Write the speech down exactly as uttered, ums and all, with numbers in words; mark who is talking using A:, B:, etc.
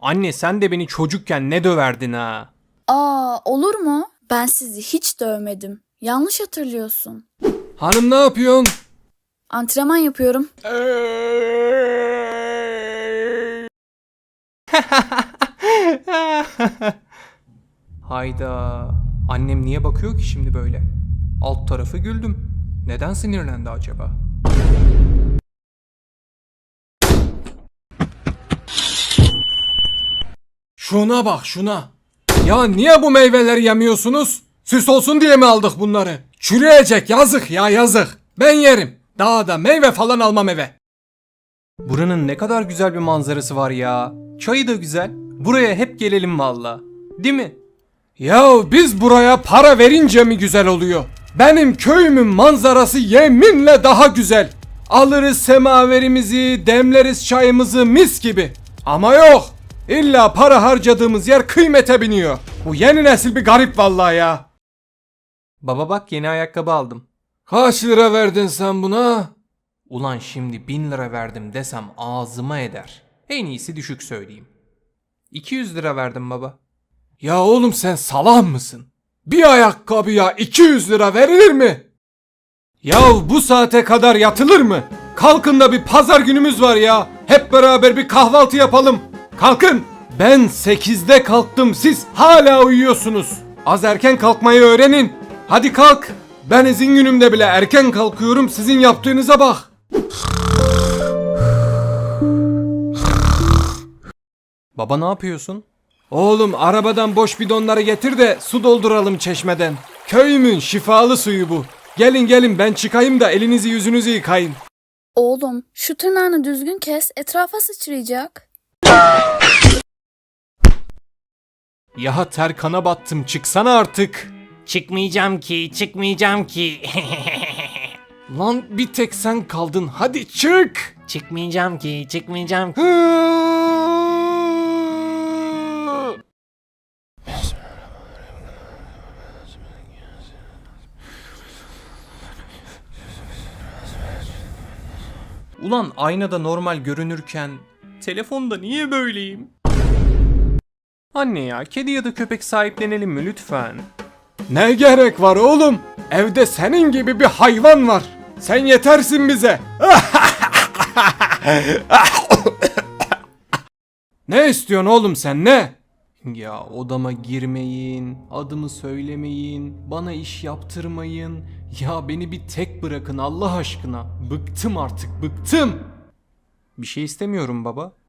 A: Anne sen de beni çocukken ne döverdin ha?
B: Aa, olur mu? Ben sizi hiç dövmedim. Yanlış hatırlıyorsun.
A: Hanım ne yapıyorsun?
B: Antrenman yapıyorum.
A: Hayda. Annem niye bakıyor ki şimdi böyle? Alt tarafı güldüm. Neden sinirlendi acaba? Şuna bak şuna. Ya niye bu meyveleri yemiyorsunuz? Süs olsun diye mi aldık bunları? Çürüyecek, yazık ya, yazık. Ben yerim. Daha da meyve falan almam eve. Buranın ne kadar güzel bir manzarası var ya. Çayı da güzel. Buraya hep gelelim valla. Değil mi? Ya biz buraya para verince mi güzel oluyor? Benim köyümün manzarası yeminle daha güzel. Alırız semaverimizi, demleriz çayımızı mis gibi. Ama yok. İlla para harcadığımız yer kıymete biniyor. Bu yeni nesil bir garip vallahi ya. Baba bak yeni ayakkabı aldım. Kaç lira verdin sen buna? Ulan şimdi bin lira verdim desem ağzıma eder. En iyisi düşük söyleyeyim. iki yüz lira verdim baba. Ya oğlum sen salak mısın? Bir ayakkabıya iki yüz lira verilir mi? Ya bu saate kadar yatılır mı? Kalkın da bir pazar günümüz var ya. Hep beraber bir kahvaltı yapalım. Kalkın. Ben sekizde kalktım, siz hala uyuyorsunuz. Az erken kalkmayı öğrenin. Hadi kalk. Ben izin günümde bile erken kalkıyorum, sizin yaptığınıza bak. Baba ne yapıyorsun? Oğlum arabadan boş bidonları getir de su dolduralım çeşmeden. Köyümün şifalı suyu bu. Gelin gelin ben çıkayım da elinizi yüzünüzü yıkayın.
B: Oğlum, şu tırnağını düzgün kes, etrafa sıçrayacak.
A: Ya terkana battım, çıksana artık.
C: Çıkmayacağım ki, çıkmayacağım ki.
A: Lan bir tek sen kaldın, hadi çık.
C: çıkmayacağım ki, çıkmayacağım ki.
A: Ulan aynada normal görünürken telefonda niye böyleyim? Anne ya, kedi ya da köpek sahiplenelim mi lütfen? Ne gerek var oğlum? Evde senin gibi bir hayvan var. Sen yetersin bize. Ne istiyorsun oğlum sen, ne? Ya odama girmeyin, adımı söylemeyin, bana iş yaptırmayın. Ya beni bir tek bırakın Allah aşkına. Bıktım artık, bıktım. Bir şey istemiyorum baba.